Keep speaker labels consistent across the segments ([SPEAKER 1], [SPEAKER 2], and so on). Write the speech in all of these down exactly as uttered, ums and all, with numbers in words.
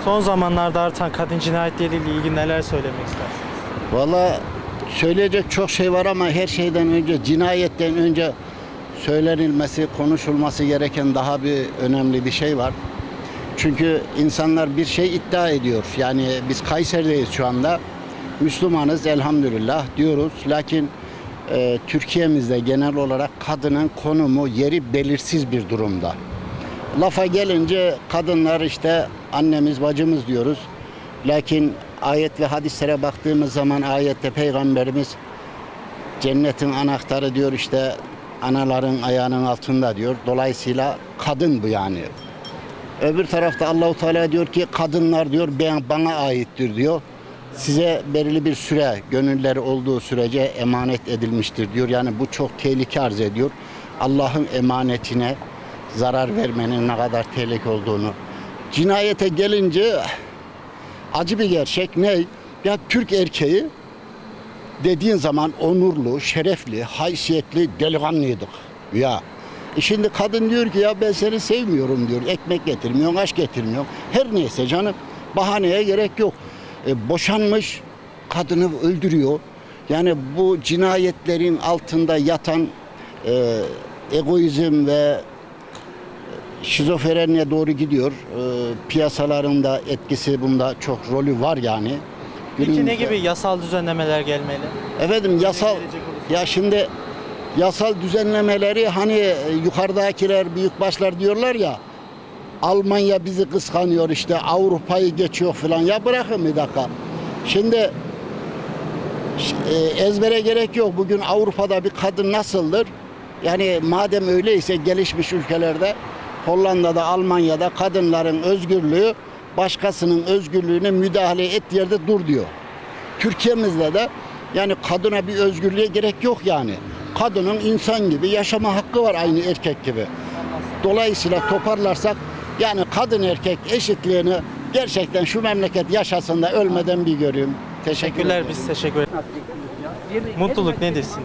[SPEAKER 1] Son zamanlarda artan kadın cinayetleriyle ilgili neler söylemek istersiniz?
[SPEAKER 2] Valla söyleyecek çok şey var ama her şeyden önce cinayetten önce söylenilmesi, konuşulması gereken daha bir önemli bir şey var. Çünkü insanlar bir şey iddia ediyor. Yani biz Kayseri'deyiz şu anda. Müslümanız elhamdülillah diyoruz. Lakin e, Türkiye'mizde genel olarak kadının konumu, yeri belirsiz bir durumda. Lafa gelince kadınlar işte annemiz, bacımız diyoruz. Lakin ayet ve hadislere baktığımız zaman ayette Peygamberimiz cennetin anahtarı diyor işte anaların ayağının altında diyor. Dolayısıyla kadın bu yani. Öbür tarafta Allahu Teala diyor ki kadınlar diyor ben bana aittir diyor. Size belirli bir süre gönülleri olduğu sürece emanet edilmiştir diyor. Yani bu çok tehlike arz ediyor. Allah'ın emanetine zarar vermenin ne kadar tehlike olduğunu. Cinayete gelince acı bir gerçek ne? Ya Türk erkeği dediğin zaman onurlu, şerefli, haysiyetli, delikanlıydık. Ya e şimdi kadın diyor ki ya ben seni sevmiyorum diyor. Ekmek getirmiyorsun, aş getirmiyorsun. Her neyse canım bahaneye gerek yok. E, boşanmış kadını öldürüyor. Yani bu cinayetlerin altında yatan e, egoizm ve şizofreniye doğru gidiyor. E, piyasalarında etkisi bunda çok rolü var yani.
[SPEAKER 1] Peki
[SPEAKER 2] Günümüzde...
[SPEAKER 1] ne gibi yasal düzenlemeler gelmeli?
[SPEAKER 2] Efendim yasal ya şimdi yasal düzenlemeleri hani yukarıdakiler büyükbaşlar diyorlar ya Almanya bizi kıskanıyor işte Avrupa'yı geçiyor falan ya bırakın bir dakika. Şimdi e, ezbere gerek yok. Bugün Avrupa'da bir kadın nasıldır? Yani madem öyleyse gelişmiş ülkelerde Hollanda'da, Almanya'da kadınların özgürlüğü başkasının özgürlüğüne müdahale et yerde dur diyor. Türkiye'mizde de yani kadına bir özgürlüğe gerek yok yani. Kadının insan gibi yaşama hakkı var aynı erkek gibi. Dolayısıyla toparlarsak yani kadın erkek eşitliğini gerçekten şu memleket yaşasın da ölmeden bir göreyim.
[SPEAKER 1] Teşekkürler, biz teşekkür ederiz. Mutluluk nedir sizin?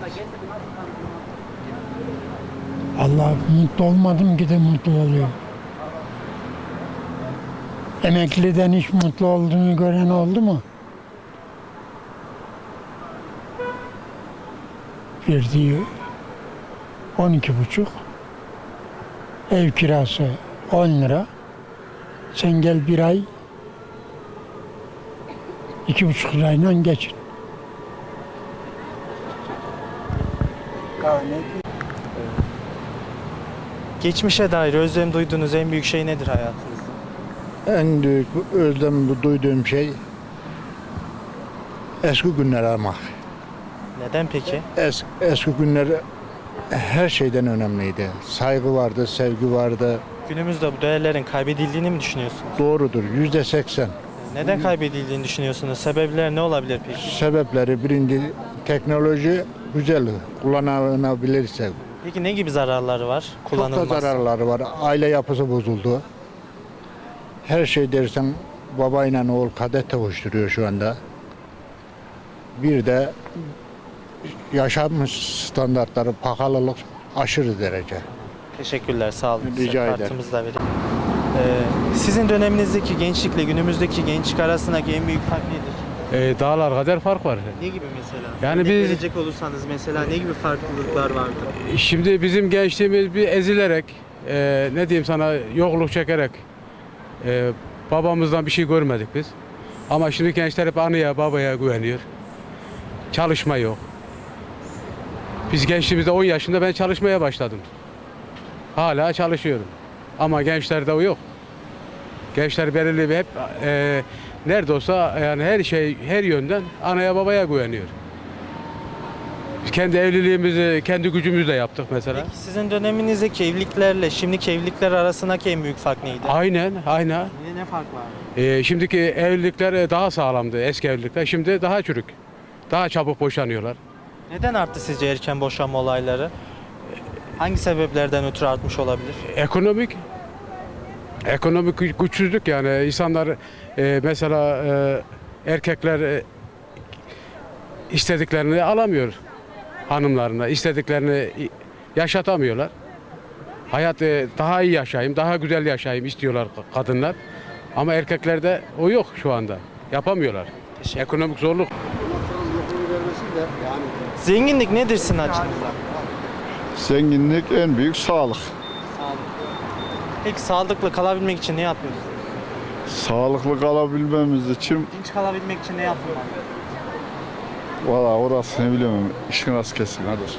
[SPEAKER 3] Allah mutlu olmadım ki de mutlu oluyor. Emekliden hiç mutlu olduğunu gören oldu mu? Verdiği on iki buçuk, ev kirası on lira. Sen gel bir ay iki buçuk lirayla geçin.
[SPEAKER 1] Geçmişe dair özlem duyduğunuz en büyük şey nedir hayatınızda?
[SPEAKER 4] En büyük özlem duyduğum şey eski günleri aramak.
[SPEAKER 1] Neden peki?
[SPEAKER 4] Es, eski günler her şeyden önemliydi. Saygı vardı, sevgi vardı.
[SPEAKER 1] Günümüzde bu değerlerin kaybedildiğini mi düşünüyorsunuz?
[SPEAKER 4] Doğrudur, yüzde seksen.
[SPEAKER 1] Neden kaybedildiğini düşünüyorsunuz? Sebepler ne olabilir peki?
[SPEAKER 4] Sebepleri birinci teknoloji güzel, kullanılabilirse.
[SPEAKER 1] Peki ne gibi zararları var
[SPEAKER 4] Çok da
[SPEAKER 1] kullanılmazsa?
[SPEAKER 4] zararları var. Aile yapısı bozuldu. Her şey dersen babayla oğul kadet tavuşturuyor şu anda. Bir de yaşam standartları, pahalılık aşırı derece.
[SPEAKER 1] Teşekkürler, sağ olun.
[SPEAKER 4] Rica ederim.
[SPEAKER 1] Kartımızı da vereyim. Ee, sizin döneminizdeki gençlikle günümüzdeki gençlik arasındaki en büyük fark nedir?
[SPEAKER 5] E, dağlar kadar fark var.
[SPEAKER 1] Ne gibi mesela?
[SPEAKER 5] Yani
[SPEAKER 1] Örnek
[SPEAKER 5] biz-
[SPEAKER 1] verecek olursanız mesela ne gibi farklılıklar vardı?
[SPEAKER 5] Şimdi bizim gençliğimiz bir ezilerek, e, ne diyeyim sana, yokluk çekerek, e, babamızdan bir şey görmedik biz. Ama şimdi gençler hep anıya, babaya güveniyor. Çalışma yok. Biz gençliğimizde on yaşında ben çalışmaya başladım. Hala çalışıyorum. Ama gençlerde o yok. Gençler belirli bir hep e, nerede olsa yani her şey her yönden anaya babaya güveniyor. Biz kendi evliliğimizi kendi gücümüzle yaptık mesela.
[SPEAKER 1] Peki sizin döneminizdeki evliliklerle şimdiki evlilikler arasındaki en büyük fark neydi?
[SPEAKER 5] Aynen, aynen.
[SPEAKER 1] Ne, ne fark var?
[SPEAKER 5] E, şimdiki evlilikler daha sağlamdı, eski evlilikler. Şimdi daha çürük. Daha çabuk boşanıyorlar.
[SPEAKER 1] Neden arttı sizce erken boşanma olayları? Hangi sebeplerden ötürü artmış olabilir?
[SPEAKER 5] Ekonomik ekonomik gü- güçsüzlük yani insanlar e, mesela e, erkekler e, istediklerini alamıyor hanımlarına, istediklerini yaşatamıyorlar. Hayat e, daha iyi yaşayayım, daha güzel yaşayayım istiyorlar kadınlar. Ama erkeklerde o yok şu anda. Yapamıyorlar. Ekonomik zorluk.
[SPEAKER 1] Zenginlik nedir sizin açınızdan?
[SPEAKER 6] Zenginlik en büyük sağlık.
[SPEAKER 1] Peki sağlıklı kalabilmek için ne yapıyorsunuz?
[SPEAKER 6] Sağlıklı kalabilmemiz için
[SPEAKER 1] Dinç kalabilmek için ne yapılmalı?
[SPEAKER 6] valla orasını bilemem. İşin rast kesin hadi.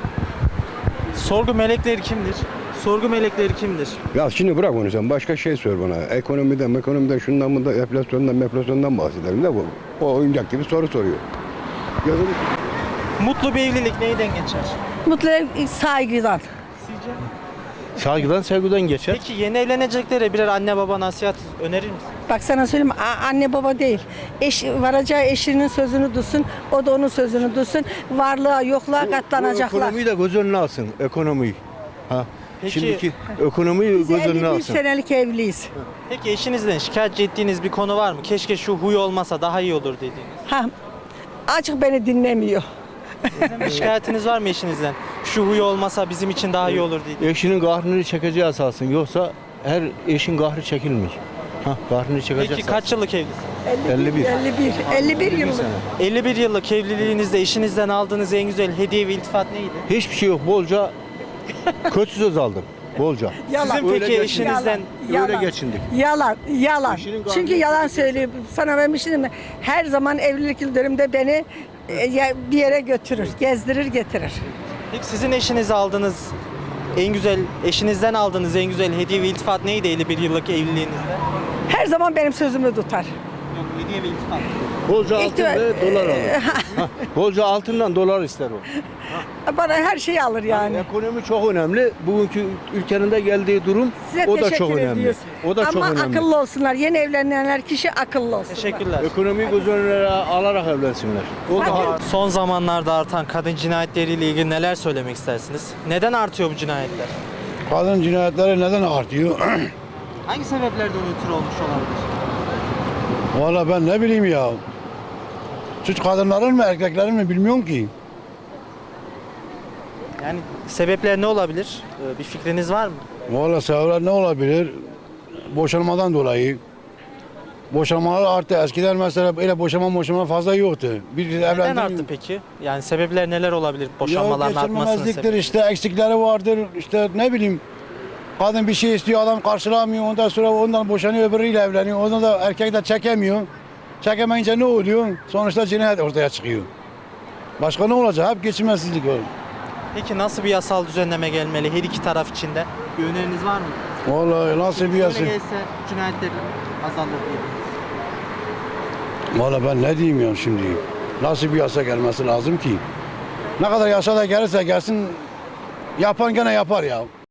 [SPEAKER 1] Sorgu melekleri kimdir? Sorgu melekleri kimdir?
[SPEAKER 7] Ya şimdi bırak onu sen başka şey sor bana. Ekonomiden, ekonomiden şundan bundan, enflasyondan, enflasyondan bahsedelim de bu. O oyuncak gibi soru soruyor. Yazın.
[SPEAKER 1] Mutlu bir evlilik neyden geçer?
[SPEAKER 8] Mutlu ev saygıdan.
[SPEAKER 1] Sizce?
[SPEAKER 9] Saygıdan sevgiden geçer.
[SPEAKER 1] Peki yeni evleneceklere birer anne baba nasihat önerir misin?
[SPEAKER 8] Bak sana söyleyeyim a- anne baba değil. Eş, varacağı eşinin sözünü duysun, o da onun sözünü duysun. Varlığa yokluğa
[SPEAKER 9] Bu
[SPEAKER 8] katlanacaklar.
[SPEAKER 9] ekonomiyi de göz önüne alsın. Ekonomiyi. Ha.
[SPEAKER 1] Peki-
[SPEAKER 9] Şimdiki ekonomiyi
[SPEAKER 8] Biz
[SPEAKER 9] göz önüne
[SPEAKER 8] elli bir
[SPEAKER 9] alsın.
[SPEAKER 8] senelik evliyiz.
[SPEAKER 1] Peki eşinizden şikayet ettiğiniz bir konu var mı? Keşke şu huy olmasa daha iyi olur dediğiniz.
[SPEAKER 8] Ha, açık beni dinlemiyor.
[SPEAKER 1] Sizin bir şikayetiniz var mı eşinizden? Şu huy olmasa bizim için daha iyi olur dediğiniz.
[SPEAKER 9] Eşinin kahrını çekeceği esasın. Yoksa her eşin kahrı çekilmiş. Ha, kahrını çekecek.
[SPEAKER 1] Peki kaç yıllık evlisiniz?
[SPEAKER 9] elli bir.
[SPEAKER 8] elli bir. elli bir yıllık.
[SPEAKER 1] elli bir yıllık evliliğinizde eşinizden aldığınız en güzel hediye ve iltifat neydi?
[SPEAKER 9] Hiçbir şey yok. Bolca kötü söz aldım. Bolca.
[SPEAKER 8] Yalan.
[SPEAKER 1] Sizin
[SPEAKER 9] Öyle
[SPEAKER 1] peki
[SPEAKER 9] geçin.
[SPEAKER 1] eşinizden
[SPEAKER 9] Öyle geçindik.
[SPEAKER 8] Yalan, yalan.
[SPEAKER 9] Eşinin karnı-
[SPEAKER 8] Çünkü yalan söylüyor. Sana ben bir şey diyeyim mi? Her zaman evlilik yıl dönümünde beni e, ya- bir yere götürür, gezdirir, getirir.
[SPEAKER 1] peki sizin eşinize aldığınız en güzel eşinizden aldığınız en güzel hediye ve iltifat neydi elli bir yıllık evliliğinizde?
[SPEAKER 8] Her zaman benim sözümü tutar.
[SPEAKER 1] Yok hediye ve iltifat.
[SPEAKER 9] Bolca altın
[SPEAKER 8] İhtimal-
[SPEAKER 9] ve dolar alır. Ha, bolca altından dolar ister o.
[SPEAKER 8] Bana her şeyi alır yani.
[SPEAKER 9] Ekonomi çok önemli. Bugünkü ülkenin de geldiği durum
[SPEAKER 8] Size
[SPEAKER 9] o da
[SPEAKER 8] teşekkür
[SPEAKER 9] çok önemli.
[SPEAKER 8] ediyoruz.
[SPEAKER 9] O da
[SPEAKER 8] Ama
[SPEAKER 9] çok önemli.
[SPEAKER 8] akıllı olsunlar. Yeni evlenenler kişi akıllı olsun.
[SPEAKER 1] Teşekkürler.
[SPEAKER 9] Ekonomiyi göz önüne alarak evlensinler. O da
[SPEAKER 1] Son zamanlarda artan kadın cinayetleriyle ilgili neler söylemek istersiniz? Neden artıyor bu cinayetler?
[SPEAKER 10] Kadın cinayetleri neden artıyor?
[SPEAKER 1] Hangi sebeplerden ötürü olmuş olabilir?
[SPEAKER 10] Valla ben ne bileyim ya. Suç kadınların mı erkeklerin mi bilmiyorum ki.
[SPEAKER 1] Yani sebepler ne olabilir? Ee, Bir fikriniz var mı?
[SPEAKER 10] Valla sebepler ne olabilir? Boşanmadan dolayı. Boşanmalar arttı. Eskiden mesela öyle boşanma boşanma fazla yoktu. Bir
[SPEAKER 1] Neden
[SPEAKER 10] evlendi-
[SPEAKER 1] arttı peki? Yani sebepler neler olabilir
[SPEAKER 10] Ya
[SPEAKER 1] boşanmaların artmasının
[SPEAKER 10] geçirmemezliktir
[SPEAKER 1] sebebi?
[SPEAKER 10] işte eksikleri vardır işte ne bileyim. Kadın bir şey istiyor adam karşılamıyor ondan sonra ondan boşanıyor öbürüyle evleniyor. Ondan da erkek de çekemiyor. Çekemeyince ne oluyor? Sonuçta cinayet ortaya çıkıyor. Başka ne olacak? Hep geçirmezlik olur.
[SPEAKER 1] Peki nasıl bir yasal düzenleme gelmeli her iki taraf için de? Bir öneriniz var mı?
[SPEAKER 10] Vallahi nasıl bir yasa?
[SPEAKER 1] Şöyle gelse cinayetler azalır diyebiliriz.
[SPEAKER 10] Vallahi ben ne diyeyim ya şimdi? Nasıl bir yasa gelmesi lazım ki? Ne kadar yasa da gelirse gelsin yapan gene yapar ya.